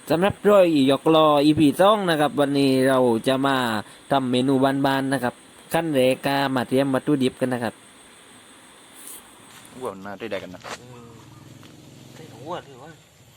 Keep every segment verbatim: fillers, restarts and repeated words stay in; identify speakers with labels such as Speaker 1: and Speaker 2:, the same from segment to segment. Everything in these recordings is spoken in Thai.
Speaker 1: สำหรับร้อยหยอกลออีพีสองนะครับวันนี้เราจะมาทำเมนูบานๆนะครับขั้นแรกก็มาเตรียมวัตถุดิบกันนะครับ
Speaker 2: วัวน่าได้ได้กันนะ
Speaker 1: ใส่หัวหรือว่า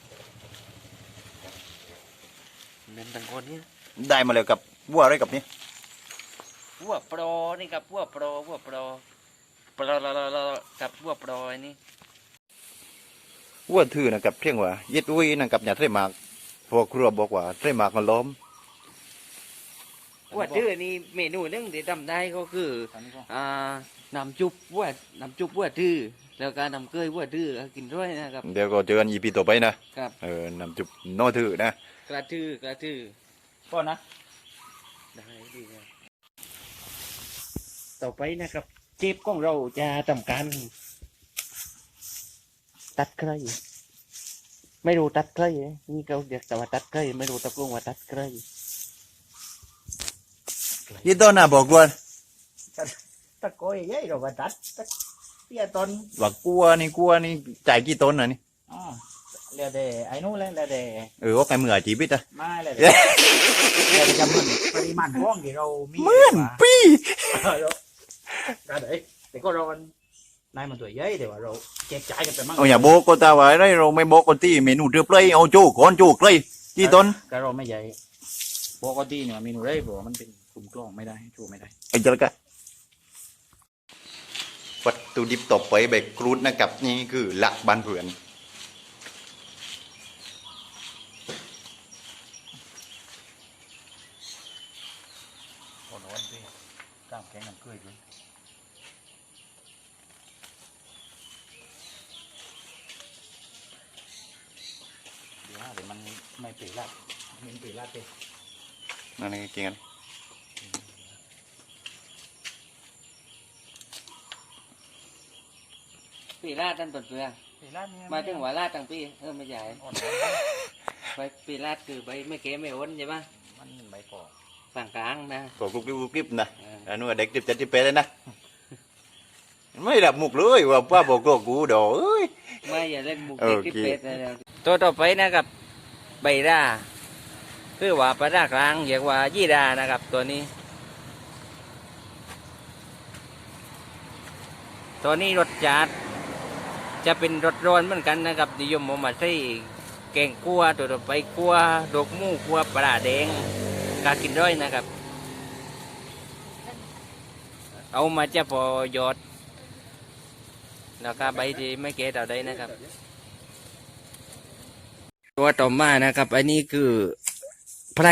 Speaker 1: เน้นตังคนนี้
Speaker 2: ได้มาแล้วกับวัวอะไรกับนี่
Speaker 1: วัวโปรนี่กับวัวโปรวัวโปรโปรกับวัวโปรนี่
Speaker 2: วัวถือนะกับเพียงว่ายึดอุ้ยนะกับอย่าเทมากพอครัวบอกว่าเทมากมันล้อม
Speaker 1: วัวถือนี่เมนูนึงที่ทำได้ก็คืออ่าน้ำจุบวัวน้ำจุบวัวถือแล้วก็น้ำเกยวัวถือกินด้วยนะครับ
Speaker 2: เดี๋ยวก็เจอกันอีพีต่อไปนะครับเออนำจุบนอถือนะ
Speaker 1: กระทือกระทือ
Speaker 2: ก็นะ
Speaker 1: ได้ดีครับต่อไปนะครับเจ็บของเราจะทำการตัดไคร้ไม่รู้ตัดไคร้นี่เขาเรียกแต่ว่าตัดไคร้ไม่รู้ตะกลงว่าตัดไคร้
Speaker 2: ยี่ต้นน่ะบอกว่า
Speaker 3: ตะโกยยัยเราก็ตัดตะเตี้ยต้น
Speaker 2: ว่ากลัวนี่กลัวนี่จ่ายกี่ต้นน่ะนี่
Speaker 3: อ๋อเรียกได้ไอ้นู้นเลยเรียกได้
Speaker 2: เออว่าใครมืออาชีพอ่ะ
Speaker 3: ไม่เลยเรียกได้จำนวนปริมาณว่องที่เรามี
Speaker 2: เหมือนปี
Speaker 3: ก็ได้แต่ก็เรานายมันตัวใหญ่แต่ว่าเราแจกจ่ายกันไปมั่ง
Speaker 2: เอาอย่าโบกก็ตาไว้ได้เราไม่โบกคนที่เมนูเดือบเลยเอาโจ้ก่อนโจ้เลยกี่ต้น
Speaker 3: ก็เราไม่ใหญ่ปกติเนี่ยเมนูได้บอกมันเป็นกลุ่มกล้องไม่ได้โจ้ไม่ได้
Speaker 2: ไอ้เจ้าละกันวัตถุดิบต่อไปแบบกรูดนะครับนี่คือหลักบ้านเผือน
Speaker 3: โอ้โหนี่กล้ามแข็งกันเกยเลยเดี๋ยวเดี๋ยวมันไม่ปีละมันปีละเต็ม
Speaker 2: นั่นเองกินกัน
Speaker 1: ปีลาดตั้งต้นเปลือกมาถึงหัวลาดตั้งปีเออไม่ใหญ่ใบปีลาดคือใบไม่เก๋ไม่อ้นใช่ไหม
Speaker 3: มันใบปอก
Speaker 1: ฝั่งกลางนะ
Speaker 2: ปอกกรุบกรุบกรุบกริบนะอันนู้นเด็กจิบจัดจิบเป๊ะเลยนะไม่ดับมุกเลยว่าป้าบอกก็กูดอเอ้ย
Speaker 1: ไม่อย่าเล่นมุกเด็กจิบเป๊ะเลยตัวต่อไปนะครับใบร่าคือว่าปลาร่ากลางเรียกว่ายี่รานะครับตัวนี้ตัวนี้รสจัดจะเป็นรสร้อนเหมือนกันนะครับนิยมเอามาใส่แกงคั่วตัวต่อไปคั่วดอกมูคั่วปลาแดงกากินร้อยนะครับเอามาจะพอยอดแล้วก็ใบที่ไม่เกะต่อได้นะครับตัวต่อมานะครับอันนี้คือไพร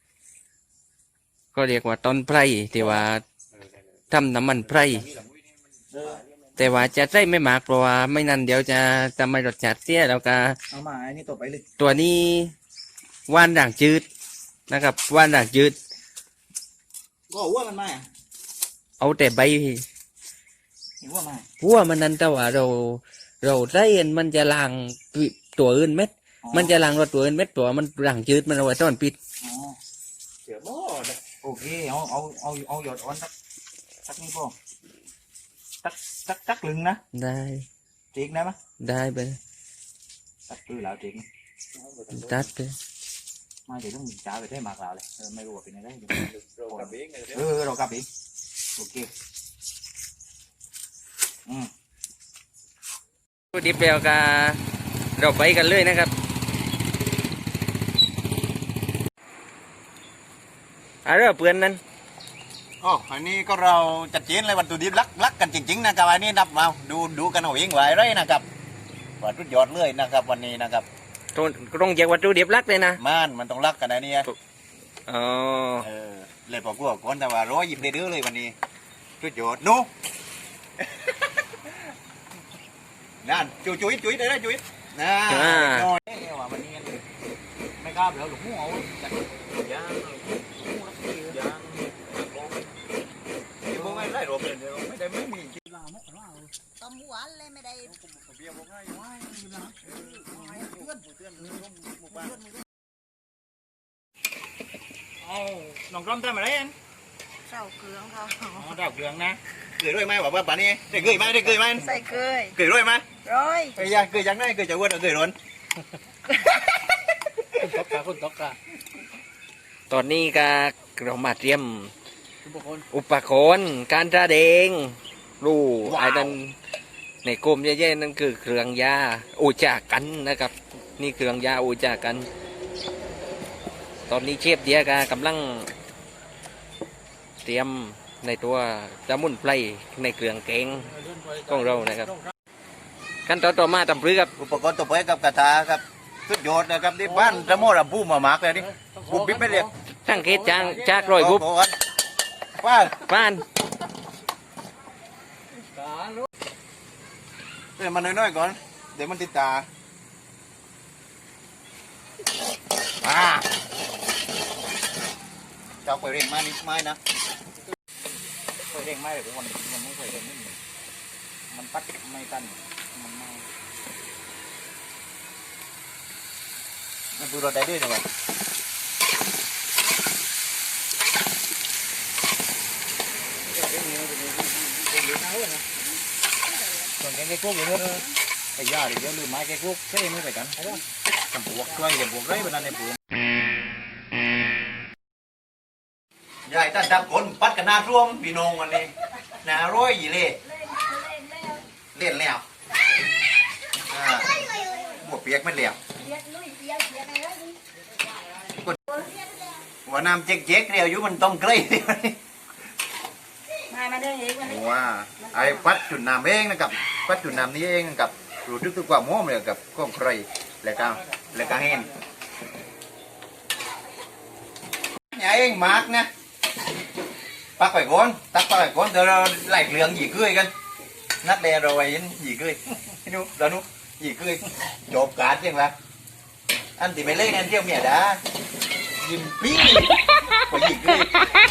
Speaker 1: ก็เรียกว่าต้นไพรที่ว่าทำน้ำมันไพรแต่ว่าจะใส่ไม่มากเพราะว่าไม่นั้นเดี๋ยวจะทำให้รสชาติเสียแล้วก็
Speaker 3: เอามาอันนี้ต่อไปเลย
Speaker 1: ตัวนี้ว่านด่างจืดนะครับว่านด่างจืด
Speaker 3: ก็หัวมันมา
Speaker 1: เอาแต่ใบ
Speaker 3: หัวมา
Speaker 1: หัวมันนั้นแต่ว่าเราเราใส่มันจะล้างตัวอื่นเม็ดมันจะล้างรสตัวอื่นเม็ดตัวมันด่างจืดมันเอาไว้ต้อนปิด
Speaker 3: อ๋อเสือบ่โอเคเอาเอาเอาเอาหยอดอ่อนสักสักนี่พ่อสักสักสักลึงนะ
Speaker 1: ได้
Speaker 3: จีกได้ไหม
Speaker 1: ได้ไป
Speaker 3: สักคือแล้วจีก
Speaker 1: ตัดไป
Speaker 3: ไม่เดี๋ยวต้องจ่ายไปได้มากแล้วเลยไม่รู้ว่าเป็นอะไรเออเรากลับอีกโอเคอืม
Speaker 1: ดิบเดียวกับเราไปกันเลยนะครับอะไรเพื่อนนั้น
Speaker 2: อ๋ออันนี้ก็เราจัดเจนเลยวัตถุดิบลักลักกันจริงๆนะครับอันนี้นับมาดูดูกันเอาเองไว้ไรนะครับวัตถุยอดเลยนะครับวันนี้นะครับ
Speaker 1: ตรงตรงจากวัตถุดิบลักเลยนะ
Speaker 2: มันมันต้องลักกันนะเนี่ย
Speaker 1: อ๋อ
Speaker 2: เออเลยพอกูบอกก่อนแต่ว่าร้อยหยิบได้เด้อเลยวันนี้จุดยอดนู้นั่นจุยจุยจุยได้ได้จุยน่าน้อยเนี่ยว่าวันนี้ไม่กล้าแล้วหลวงพ่อเอาจัดยางยางที่พวกไม่ได้รวมเลยไม่ได้ไม่มีกินลาไม่ลา
Speaker 4: ต้มหวานเลยไม่ได้
Speaker 2: เบี้ยพวกง่ายง่ายนะเพื่อนเพื่อนหมู่บ้าน
Speaker 3: เอาน้องกล้องทำอะไรเอง
Speaker 4: เจ้าเกลืองค่ะ
Speaker 3: อ๋อเจ้าเกลืองนะ
Speaker 2: เกยด้วยไหมบอกว่าป่านนี้ได้เกยไหมได้เกยไหม
Speaker 4: ใส่เกย
Speaker 2: เกยด้วยไหม
Speaker 4: ร้อย
Speaker 2: ไอ้ยาเกยยังไงเกยจะอ้วนเกยร้อน
Speaker 3: คุณตกกะคุณตกกะ
Speaker 1: ตอนนี้ก็เรามาเตรียม
Speaker 3: ทุกคน
Speaker 1: อุปกรณ์การแสดงรู้ไอ้นั่นในกลมแย่ๆนั่นคือเครื่องยาอูจากันนะครับ นี่เครื่องยาอูจากัน ตอนนี้เชฟเดียกกำลังเตรียมในตัวสมุนไพรในเครื่องแกงของเรานะครับขั้นตอนต่อมาทำพรื้ครับ
Speaker 2: อุปกรณ์ตัวไปกับกระทะครับสุดยอดนะครับที่บ้านจะโม่ระบูมามากเลยนี่บุบบิ๊บไม่เรียก
Speaker 1: ทั้งเกตจางจากรอยบุบ
Speaker 2: ป้า
Speaker 1: ป้าน
Speaker 2: เดี๋ยวมันน้อยๆก่อนเดี๋ยวมันติดตาอ่าเจ้าไปเร่งมานิดไม้นะ
Speaker 3: เคยเร่งไม่เลยมันมันไม่เคยเร่งไม่มันปัดไม่ตันมันไม่
Speaker 2: มันดูเราได้ด้วยนะวะ
Speaker 3: ส่วนแกงไก่กุ๊กอย่างนี้ไอ้ยาเดี๋ยวลืมไม้ไก่กุ๊กใช่ไม่ไปกันจำปวกช่วยจำปวกไรเป็นอะไรปวก
Speaker 2: ยายท่านจับคนปัดกันหน้าร่วมพี่น้องวันนี้หน้าร้อยยี่เล่เล่นแล้วอ่าบวกเปียกไม่เลี้ยวว่าน้ำเจ๊กๆเรียวอยู่มันต้มเกลือ
Speaker 4: มามาเดินเองวันนี้
Speaker 2: ว่าไอ้ปัดจุดน้ำเองนะครับปัดจุดน้ำนี้เองกับรู้ทึกถึงความหอมเลยกับข้องใครแล้วก็แล้วก็เห็นอย่าเองมากนะปักไปก่อนตักปักไปก่อนเดี๋ยวเราไล่เรื่องหยีเกยกันนัดแลเราไว้ยันหยีเกยนู้เรานู้หยีเกยจบการจังละอันที่ไม่เล่นอันเที่ยวเมียดายินปี้กว่าหยีเกย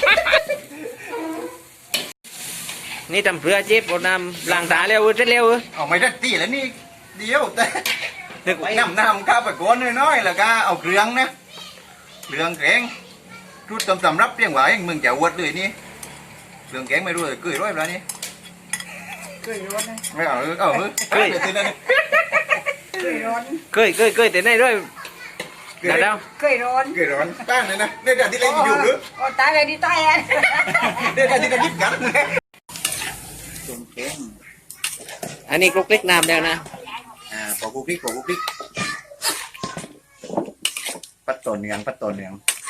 Speaker 1: นี่ทำเพื่อเชฟเอาน้ำล้างตาเร็วเสร็จเร็ว
Speaker 2: เอาไม่ได้ตีแล้วนี่เดียวแต่
Speaker 1: นึก
Speaker 2: น้ำน้ำข้าวไปก้อนน้อยๆแล้วก็เอาเครื่องนะเครื่องแกงรูดตำสำรับเรียงไว้มึงจะอวดเลยนี่เครื่องแกงไม่รู้เลยเกยร้อยแล้วนี่
Speaker 4: เคยร้อนนะ
Speaker 2: ไม่เอาเอาเฮ้ยเกยเลยทีนั้น
Speaker 4: เคยร้อน
Speaker 1: เคยเคยเคยแต่ไหนด้วยเดี๋ยวเดี๋ยว
Speaker 4: เคยร้อน
Speaker 2: เกยร้อนตั้งเลยนะเนี่ยที่เล่นอยู่หรือ
Speaker 4: โอ้ตายเลยดิตายอ่ะ
Speaker 2: เนี่ยที่จะยิบกัน
Speaker 3: ส่วนแกง
Speaker 1: อันนี้คลุกเล็กน้ำแล้วนะ
Speaker 2: อ่าปอกกุ๊กพริกปอกกุ๊กพริกปัดต่อเนืองปัดต่อเนือง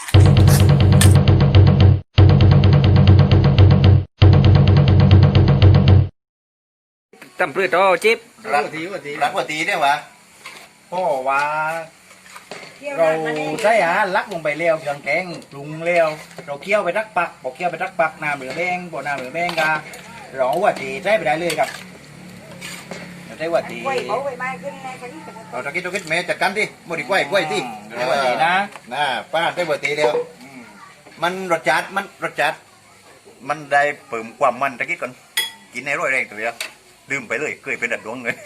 Speaker 1: ทำเพื่อต่อเชฟ
Speaker 2: รักทีว่าทีรักว่าทีเนี่ยวะ
Speaker 3: พ่อว่าเราใช้อาหารลักลงไปเลี้ยวเครื่องแกงปรุงเลี้ยวเราเคี่ยวไปรักปักพอเคี่ยวไปรักปักน้ำเหลืองแดงพอน้ำเหลืองแดงก็เราเอาว่าตีใช้ไปได้เลยครับเราใช้ว่าตี
Speaker 4: กล้วยเขาไปไม้ขึ้นในกันนี่
Speaker 2: เอาตะกี้ตะกี้แม่จัดการดิบไดีกล้วยกล้วยดิ
Speaker 3: ใช้ว่าตีนะ
Speaker 2: น่าป้าได้ว่าทีเดียว มันรสจัดมันรสจัดมันได้เพิ่มความมันตะกี้ก่อนกินในร้อยแรงตัวเดียวลืมไปเลยเคยเป็นดัดดวงเลย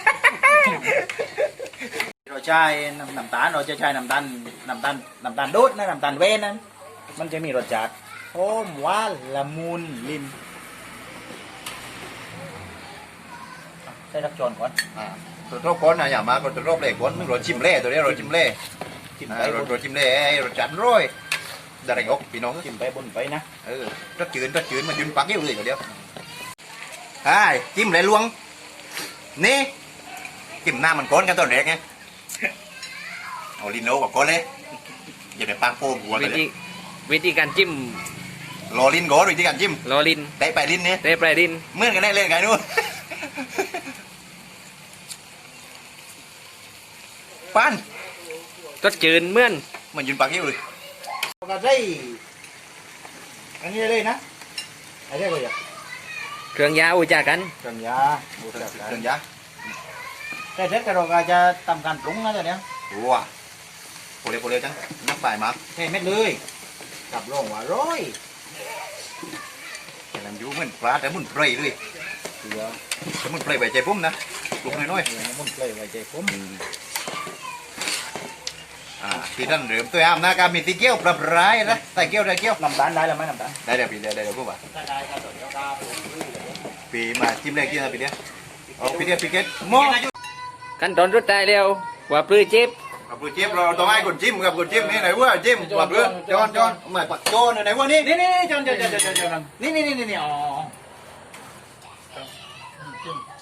Speaker 3: เราใช้น้ำน้ำตาลเราจะใช้น้ำตาลน้ำตาลน้ำตาลดูดนะน้ำตาลเวนนั้นมันจะมีรสจัดหอมหวานละมุนลิ้นใช้รักจอนก่อน
Speaker 2: อ่าตัวโรคก้อนนะอย่ามาตัวโรคเล่ก้อนมึงรสชิมเล่ตัวเนี้ยรสชิมเล่
Speaker 3: จิ้ม
Speaker 2: อ่า
Speaker 3: ไป
Speaker 2: รสรสชิมเล่ไอ้รสจัดร้อยได้ไรอกพี่น้อง
Speaker 3: จิ้มไปบนไปนะ
Speaker 2: เออรสจืดรสจืดมันยืนปักเยี่ยวเลยตัวเดียวไอ้จิ้มเลยลวงนี่จิ้มหน้ามันก้อนกันตอนแรกไงเอาลินโนกับก้อนเลยอย่าไปปากโป่งหัวกั
Speaker 1: วิ
Speaker 2: นเล
Speaker 1: ธี
Speaker 2: ย
Speaker 1: วิธีการจิ้ม
Speaker 2: รอลินก้อนวิธีการจิ้ม
Speaker 1: ลอลิน
Speaker 2: ได้ไปลินเนี่ย
Speaker 1: เตะปลายดิน
Speaker 2: เหมื่อนกันได้เล่นไงนู้น ปั้น
Speaker 1: รสจืดเหมื่อน
Speaker 2: มันยืนปักเยี่ยวเลย
Speaker 3: เราก็ใช้อันนี้เลยนะไอ้เรียกว่าอย่าง
Speaker 1: เครื่องยาอูจากัน
Speaker 3: เครื่องยาบูชา
Speaker 2: เครื่องยา
Speaker 3: แต่เสร็จก็เราก็จะทำการปรุงนะจ๊ะเนี่ย
Speaker 2: ว้าโปเรโปเรจังนักฝ่ายมาร์ก
Speaker 3: เทเม็ดเลยกับรองว่าร้อย
Speaker 2: แต่ลำยูเหมือนปลาแต่มุนไพรเลย
Speaker 3: เสือ
Speaker 2: แต่มุนไพรใบใจพุ่มนะปลุกน้อย
Speaker 3: เสือมันเลยไว้ใจผม
Speaker 2: ๆอ่าที่ท่านเริ่มตัวอ้ามนะการมีตีเกี้ยวปรับร้ายนะใส่เกี้ยวใส่เกี้ยว
Speaker 3: น้ำตาลได้แล้วไหมน้ำตาล
Speaker 2: ได้เดี๋ยวพี่ได้เดี๋ยวพูดว่า
Speaker 3: ถ้าได้ก็ต่อเดี๋ยวก็ปรุงเลย
Speaker 2: ปีมาจิ้มแรกจิ้มอะไรปีเดียวเอาปีเดียวปีเกตหม้อ
Speaker 1: ขั้นตอนสุดท้ายแล้วว่าปลื้อเชฟ
Speaker 2: กับกูจิ้มเราต้องให้คนจิ้มกับคนจิ้มนี่ไหนว่าจิ้มปักเรือจอนจอนมาปักจอนไหนว่านี่
Speaker 3: นี่นี่นี่จอนจอนจอนจอนจอนนี่นี่นี่นี่อ๋อ